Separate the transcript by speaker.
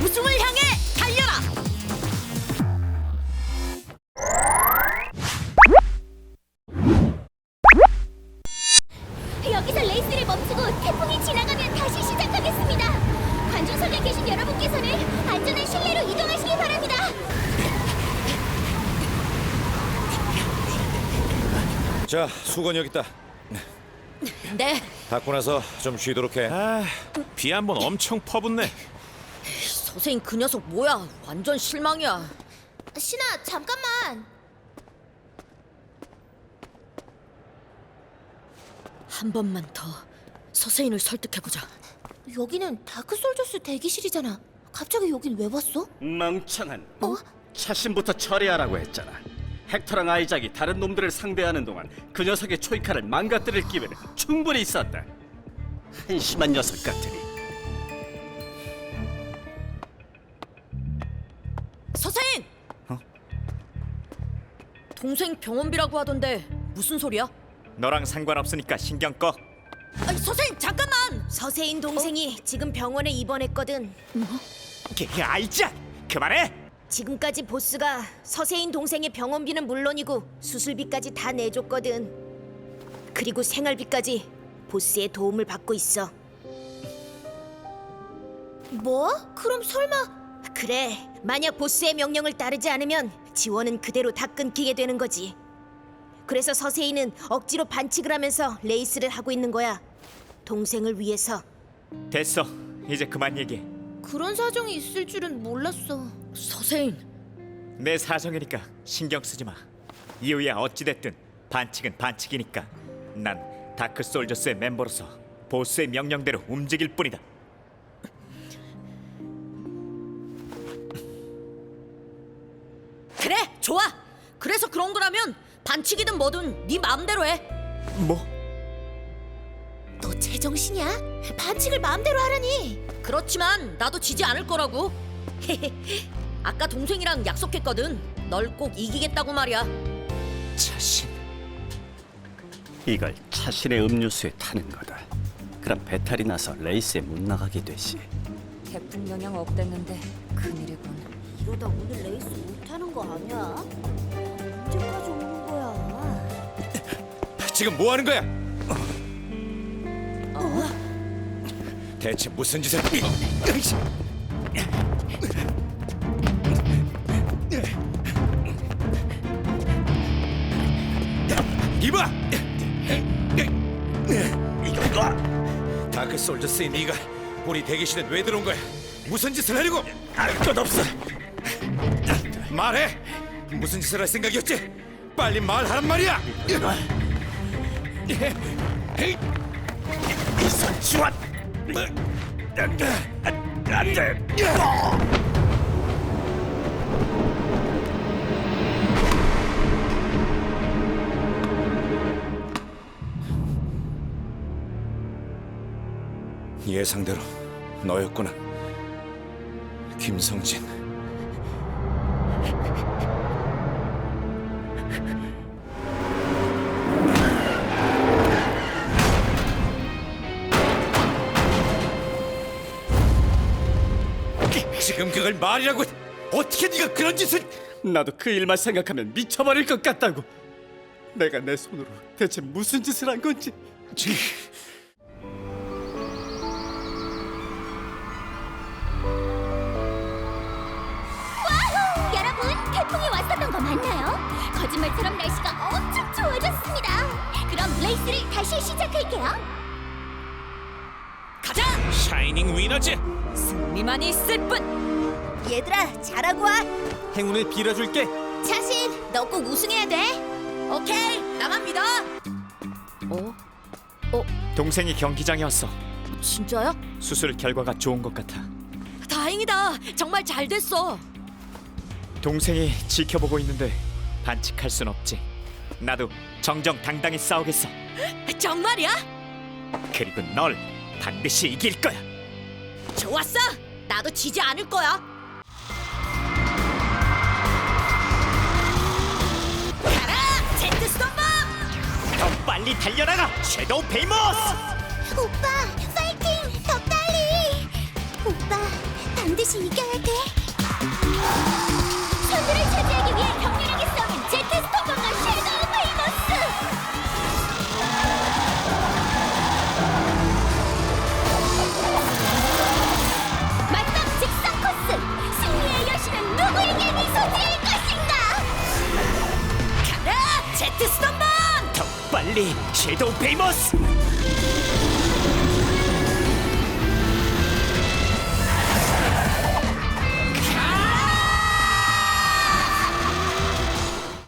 Speaker 1: 우승을 향해 달려라!
Speaker 2: 여기서 레이스를 멈추고 태풍이 지나가면 다시 시작하겠습니다. 관중석에 계신 여러분께서는 안전한 실내로 이동하시기 바랍니다.
Speaker 3: 자, 수건 여기 있다.
Speaker 1: 네,
Speaker 3: 닦고 나서 좀 쉬도록 해.
Speaker 4: 비 한 번 엄청 퍼붓네.
Speaker 1: 선생님 그 녀석 뭐야? 완전 실망이야.
Speaker 2: 신아, 잠깐만.
Speaker 1: 한 번만 더 서세인을 설득해보자.
Speaker 2: 여기는 다크솔저스 대기실이잖아. 갑자기 여긴 왜 왔어?
Speaker 5: 멍청한. 차신부터 처리하라고 했잖아. 헥터랑 아이작이 다른 놈들을 상대하는 동안 그 녀석의 초이카를 망가뜨릴 기회는 충분히 있었다. 한심한 녀석 같으니.
Speaker 1: 서세인! 동생 병원비라고 하던데 무슨 소리야?
Speaker 4: 너랑 상관없으니까 신경 꺼.
Speaker 1: 아니, 서세인 잠깐만!
Speaker 6: 서세인 동생이 지금 병원에 입원했거든.
Speaker 4: 아이작! 그만해!
Speaker 6: 지금까지 보스가 서세인 동생의 병원비는 물론이고 수술비까지 다 내줬거든. 그리고 생활비까지 보스의 도움을 받고 있어.
Speaker 2: 뭐? 그럼 설마...
Speaker 6: 그래, 만약 보스의 명령을 따르지 않으면 지원은 그대로 다 끊기게 되는 거지. 그래서 서세인은 억지로 반칙을 하면서 레이스를 하고 있는 거야. 동생을 위해서.
Speaker 4: 됐어. 이제 그만 얘기해.
Speaker 2: 그런 사정이 있을 줄은 몰랐어.
Speaker 1: 서세인,
Speaker 4: 내 사정이니까 신경 쓰지 마. 이유야 어찌됐든 반칙은 반칙이니까. 난 다크 솔저스의 멤버로서 보스의 명령대로 움직일 뿐이다.
Speaker 1: 그래, 좋아! 그래서 그런 거라면 반칙이든 뭐든 네 마음대로 해.
Speaker 4: 뭐?
Speaker 2: 너 제정신이야? 반칙을 마음대로 하라니.
Speaker 1: 그렇지만 나도 지지 않을 거라고. 아까 동생이랑 약속했거든. 널 꼭 이기겠다고 말이야.
Speaker 4: 자신.
Speaker 5: 이걸 차신의 음료수에 타는 거다. 그럼 배탈이 나서 레이스에 못 나가게 되지.
Speaker 7: 태풍 영향 없댔는데 큰일이군.
Speaker 2: 이러다 오늘 레이스 못하는 거 아니야? 언제까지 오는 거야?
Speaker 3: 지금 뭐 하는 거야? 대체 무슨 짓을? 이봐! 이거 놔! 다크 솔저스인 네가 우리 대기실에 왜 들어온 거야? 무슨 짓을 하려고? 알 것 없어. 말해. 무슨 짓을 할 생각이었지? 빨리 말하란 말이야. 이선 지원. 안 돼. 예상대로 너였구나, 김성진. 지금 그걸 말이라고? 어떻게 네가 그런 짓을?
Speaker 5: 나도 그 일만 생각하면 미쳐버릴 것 같다고. 내가 내 손으로 대체 무슨 짓을 한 건지.
Speaker 2: 여러분, 태풍이 왔었던 거 맞나요? 거짓말처럼 날씨가 엄청 좋아졌습니다. 그럼 레이스를 다시 시작할게요.
Speaker 1: 가자!
Speaker 4: 샤이닝 위너즈.
Speaker 1: 승리만 있을 뿐!
Speaker 6: 얘들아, 잘하고 와.
Speaker 4: 행운을 빌어줄게.
Speaker 2: 자신, 너 꼭 우승해야 돼.
Speaker 1: 오케이, 나만 믿어!
Speaker 4: 동생이 경기장에 왔어.
Speaker 1: 진짜야?
Speaker 4: 수술 결과가 좋은 것 같아.
Speaker 1: 다행이다. 정말 잘 됐어.
Speaker 4: 동생이 지켜보고 있는데 반칙할 순 없지. 나도 정정당당히 싸우겠어.
Speaker 1: 정말이야?
Speaker 4: 그리고 널 반드시 이길 거야.
Speaker 1: 좋았어. 나도 지지 않을 거야. 가라, 제트 스톰밤!
Speaker 4: 더 빨리 달려나가, 섀도우 베이모스!
Speaker 2: 오빠, 파이팅! 더 빨리! 오빠, 반드시 이겨야 돼. 선두를 차지하기 위해 격렬하게 싸우는 제트 스톰과 섀도우 베이머스. 맞짱 직선 코스. 승리의 여신은 누구에게 미소지을 것인가?
Speaker 1: 가라 제트 스톰번!
Speaker 4: 더 빨리 섀도우 베이머스!